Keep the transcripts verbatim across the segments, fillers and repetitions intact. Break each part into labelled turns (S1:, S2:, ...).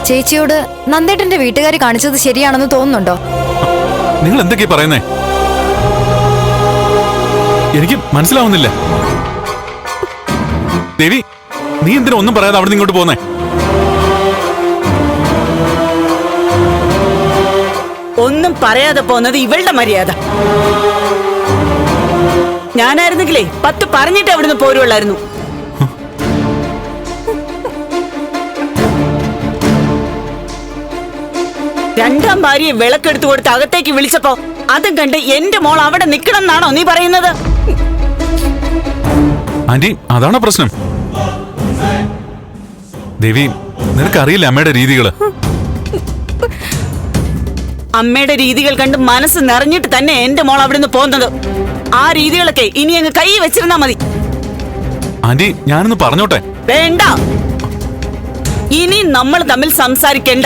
S1: ചേച്ചിയോട് നന്ദേട്ടന്റെ വീട്ടുകാർ കാണിച്ചത് ശരിയാണെന്ന് തോന്നുന്നുണ്ടോ?
S2: നിങ്ങൾ എന്തൊക്കെയാ പറയുന്നേ? എനിക്ക് മനസ്സിലാവുന്നില്ല. ദേവി, നീ എന്തിനാ ഒന്നും പറയാതെ അവിടെ നിന്ന് ഇങ്ങോട്ട് പോന്നേ?
S3: ഒന്നും പറയാതെ പോന്നത് ഇവളുടെ മര്യാദ. ഞാനായിരുന്നെങ്കിലേ പത്ത് പറഞ്ഞിട്ട് അവിടുന്ന് പോരുള്ളായിരുന്നു. രണ്ടാം ഭാര്യയെ വിളക്കെടുത്തു കൊടുത്ത് അകത്തേക്ക് വിളിച്ചപ്പോ അതും കണ്ട് എന്റെ മോൾ അവിടെ നിക്കണം എന്നാണോ നീ പറയുന്നത്?
S2: ആന്റി, അതാണോ പ്രശ്നം? ദേവി, നിനക്കറിയില്ല അമ്മയുടെ രീതികള്.
S3: അമ്മയുടെ രീതികൾ കണ്ട് മനസ്സ് നിറഞ്ഞിട്ട് തന്നെ എന്റെ മോൾ അവിടുന്ന് പോകുന്നത്. ആ രീതികളൊക്കെ ഇനി അങ്ങ് കൈ വെച്ചിരുന്നാ മതി.
S2: ആന്റി, ഞാനൊന്ന് പറഞ്ഞോട്ടെ?
S3: വേണ്ട, ഇനി നമ്മൾ തമ്മിൽ സംസാരിക്കണ്ട.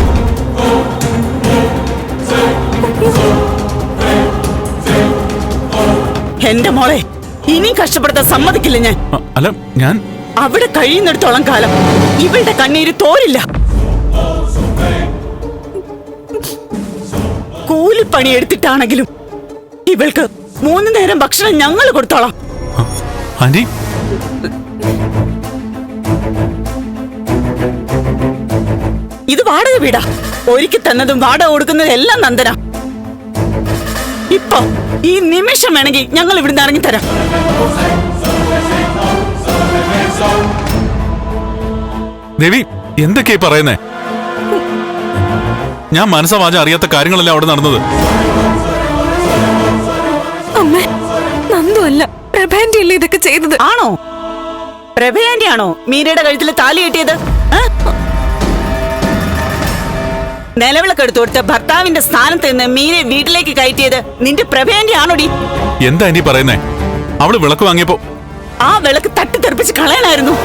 S3: എന്റെ മോളെ ഇനി കഷ്ടപ്പെടുത്താൻ സമ്മതിക്കില്ല ഞാൻ.
S2: അല്ല, ഞാൻ
S3: അവിടെ കഴിയുന്നിടത്തോളം കാലം ഇവളുടെ കണ്ണീര് തോരില്ല. കൂലിപ്പണി എടുത്തിട്ടാണെങ്കിലും ഇവൾക്ക് മൂന്ന് നേരം ഭക്ഷണം ഞങ്ങൾ കൊടുത്തോളാം.
S2: ആന്റി,
S3: ഇത് വാടക വീടാ. ഒരുക്കി തന്നതും വാടക കൊടുക്കുന്നതും എല്ലാം നന്ദന. ഇപ്പൊ ഈ നിമിഷം വേണമെങ്കിൽ ഞങ്ങൾ ഇവിടുന്ന് ഇറങ്ങിത്തരാം.
S2: ദേവി, എന്തൊക്കെയാ പറയുന്നേ? ഞാൻ മനസ്സവാചം അറിയാത്ത കാര്യങ്ങളല്ല അവിടെ നടന്നത്.
S1: അമ്മേ, നന്ദുവല്ല, പ്രഭാന്റെ അല്ലേ ഇതൊക്കെ ചെയ്തത്?
S3: ആണോ? പ്രഭയാന്റെ ആണോ മീരയുടെ കഴുത്തിൽ താലി കെട്ടിയത്? നിലവിളക്ക് എടുത്തു കൊടുത്ത ഭർത്താവിന്റെ സ്ഥാനത്ത് നിന്ന് മീരെ വീട്ടിലേക്ക് കയറ്റിയത് നിന്റെ പ്രഭയാന്റെ ആണോടി?
S2: എന്താ ആന്റി പറയുന്നേ? അവള് വിളക്ക് വാങ്ങിയപ്പോ
S3: ആ വിളക്ക് തട്ടിത്തെറിപ്പിച്ച് കളയണായിരുന്നു.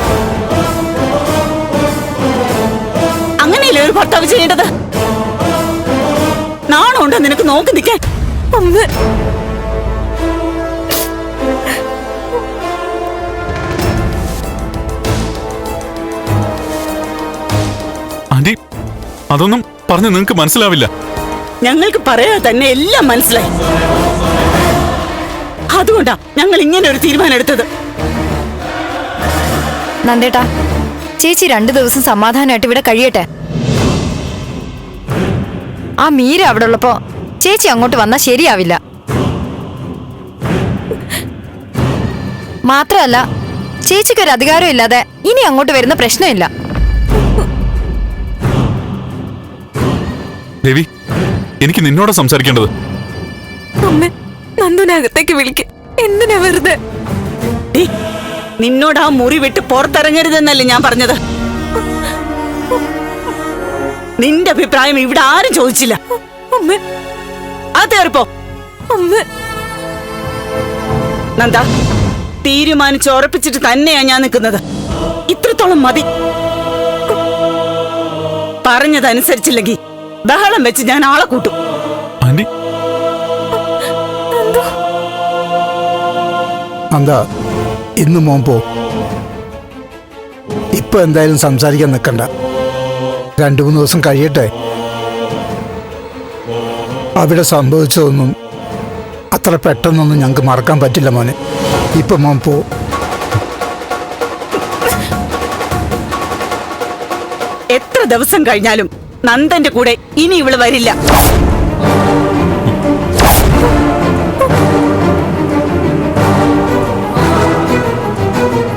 S3: അങ്ങനെയല്ലേ ഒരു ഭർത്താവ് ചെയ്യേണ്ടത്? നാണുണ്ടോ നിനക്ക് നോക്കി നിൽക്കാൻ?
S2: ആന്റി, അതൊന്നും പറഞ്ഞ് നിങ്ങക്ക് മനസ്സിലാവില്ല.
S3: ഞങ്ങൾക്ക് പറയാതെ തന്നെ എല്ലാം മനസ്സിലായി. അതുകൊണ്ടാ ഞങ്ങൾ ഇങ്ങനെ ഒരു തീരുമാനം എടുത്തത്.
S1: നന്ദേട്ടാ, ചേച്ചി രണ്ടു ദിവസം സമാധാനമായിട്ട് ഇവിടെ കഴിയട്ടെ. ആ മീര അവിടെ ഉള്ളപ്പോ ചേച്ചി അങ്ങോട്ട് വന്നാ ശരിയാവില്ല. മാത്രമല്ല, ചേച്ചിക്കൊരു അധികാരം ഇല്ലാതെ ഇനി അങ്ങോട്ട് വരുന്ന പ്രശ്നമില്ല.
S2: ദേവി, എനിക്ക് നിന്നോട് സംസാരിക്കേണ്ടത്.
S1: നന്ദുനകത്തേക്ക് വിളിക്ക. എന്തിനാ വെറുതെ?
S3: നിന്നോട് ആ മുറി വിട്ട് പുറത്തിറങ്ങരുതെന്നല്ലേ ഞാൻ പറഞ്ഞത്? നിന്റെ അഭിപ്രായം ഇവിടെ ആരും ചോദിച്ചില്ല. അതേറിപ്പോ നന്ദ, തീരുമാനിച്ച് ഉറപ്പിച്ചിട്ട് തന്നെയാ ഞാൻ നിൽക്കുന്നത്. ഇത്രത്തോളം മതി. പറഞ്ഞതനുസരിച്ചില്ലെങ്കിൽ ബഹളം വെച്ച് ഞാൻ ആളെ കൂട്ടും.
S4: നന്ദ, ഇന്ന് മോൻ പോ. ഇപ്പൊ എന്തായാലും സംസാരിക്കാൻ നിൽക്കണ്ട. രണ്ടു മൂന്ന് ദിവസം കഴിയട്ടെ. അവിടെ സംഭവിച്ചതൊന്നും അത്ര പെട്ടെന്നൊന്നും ഞങ്ങൾക്ക് മറക്കാൻ പറ്റില്ല മോനെ. ഇപ്പൊ മോൻ പോ.
S3: എത്ര ദിവസം കഴിഞ്ഞാലും നന്ദന്റെ കൂടെ ഇനി ഇവള് വരില്ല.